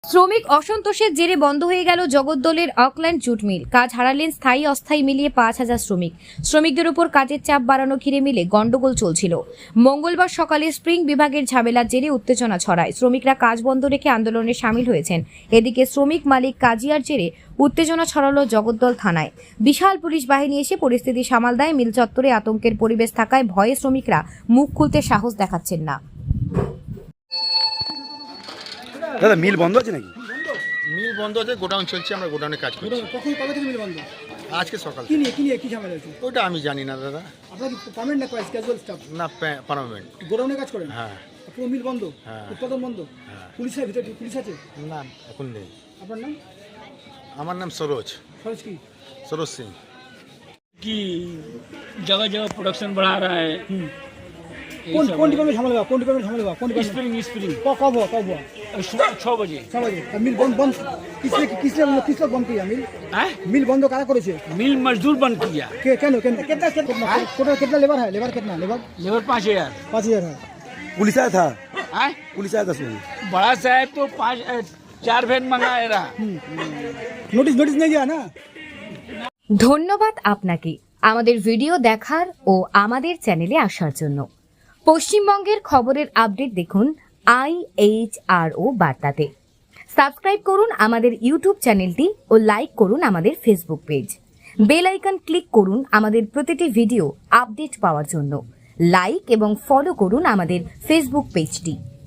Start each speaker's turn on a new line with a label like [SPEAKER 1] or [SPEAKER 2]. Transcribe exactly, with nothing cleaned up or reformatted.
[SPEAKER 1] শ্রমিক অসন্তোষের জেরে বন্ধ হয়ে গেল জগদ্দলের অকল্যান্ড জুট মিল। কাজ হারালেন স্থায়ী অস্থায়ী মিলিয়ে পাঁচ হাজার শ্রমিক। শ্রমিকদের উপর কাজের চাপ বাড়ানো ঘিরে মিলে গন্ডগোল চলছিল। মঙ্গলবার সকালে স্প্রিং বিভাগের ঝামেলার জেরে উত্তেজনা ছড়ায়। শ্রমিকরা কাজ বন্ধ রেখে আন্দোলনে সামিল হয়েছেন। এদিকে শ্রমিক মালিক কাজিয়ার জেরে উত্তেজনা ছড়ালো জগদ্দল থানায়। বিশাল পুলিশ বাহিনী এসে পরিস্থিতি সামাল দেয়। মিল চত্বরে আতঙ্কের পরিবেশ থাকায় ভয়ে শ্রমিকরা মুখ খুলতে সাহস দেখাচ্ছেন না।
[SPEAKER 2] দাদা মিল বন্ধ আছে নাকি?
[SPEAKER 3] মিল বন্ধ আছে, গোডাউন চলছে, আমরা গোডাউনে কাজ করছি।
[SPEAKER 4] কখন কবে থেকে মিল বন্ধ?
[SPEAKER 3] আজকে সকাল।
[SPEAKER 4] কি নিয়ে কি নিয়ে কি ঝামেলা হয়েছে?
[SPEAKER 3] ওটা আমি জানি না দাদা।
[SPEAKER 4] আপনারা কি পার্মানেন্ট না ক্যাজুয়াল স্টাফ?
[SPEAKER 3] না, পার্মানেন্ট।
[SPEAKER 4] গোডাউনে কাজ করেন?
[SPEAKER 3] হ্যাঁ।
[SPEAKER 4] পুরো মিল বন্ধ?
[SPEAKER 3] হ্যাঁ।
[SPEAKER 4] উৎপাদন বন্ধ?
[SPEAKER 3] হ্যাঁ।
[SPEAKER 4] পুলিশের ভিতরে পুলিশ আছে?
[SPEAKER 3] না, এখন নেই।
[SPEAKER 4] আপনার নাম?
[SPEAKER 3] আমার নাম সরোজ
[SPEAKER 4] সরোজ কি?
[SPEAKER 3] সরোজ সিং।
[SPEAKER 5] कि जगह जगह प्रोडक्शन बढ़ा रहा है।
[SPEAKER 4] कौन कौन डिपार्टमेंट झमेला हुआ? कौन डिपार्टमेंट झमेला हुआ? कौन डिपार्टमेंट?
[SPEAKER 5] स्प्रिंग स्प्रिंग
[SPEAKER 4] कब कब हुआ कब हुआ?
[SPEAKER 5] सुबह छः बजे।
[SPEAKER 4] छह बजे। अब मिल बंद बंद किसने किसने किस लोग बंद किया मिल?
[SPEAKER 5] हैं?
[SPEAKER 4] मिल बंद कारा করেছে?
[SPEAKER 5] मिल मजदूर बंद किया।
[SPEAKER 4] के কেন কেন कितना कितना टोटल कितना लेबर है? लेबर कितना? लेबर
[SPEAKER 5] लेबर पाँच हजार।
[SPEAKER 4] पाँच हजार है।
[SPEAKER 2] पुलिस आया था?
[SPEAKER 5] हैं?
[SPEAKER 2] पुलिस आया था सुन।
[SPEAKER 5] बड़ा साहब तो पाँच अ, चार वैन मंगाए रहा।
[SPEAKER 4] নোটিশ নোটিশ नहीं गया ना?
[SPEAKER 1] ধন্যবাদ আপনাকে আমাদের ভিডিও দেখার ও আমাদের চ্যানেলে আসার জন্য। পশ্চিমবঙ্গের খবরের আপডেট দেখুন আই এইচ আর ও বার্তাতে। সাবস্ক্রাইব করুন আমাদের ইউটিউব চ্যানেলটি ও লাইক করুন আমাদের Facebook page. Bell icon click করুন আমাদের প্রতিটি ভিডিও আপডেট পাওয়ার জন্য। লাইক এবং ফলো করুন আমাদের ফেসবুক পেজটি।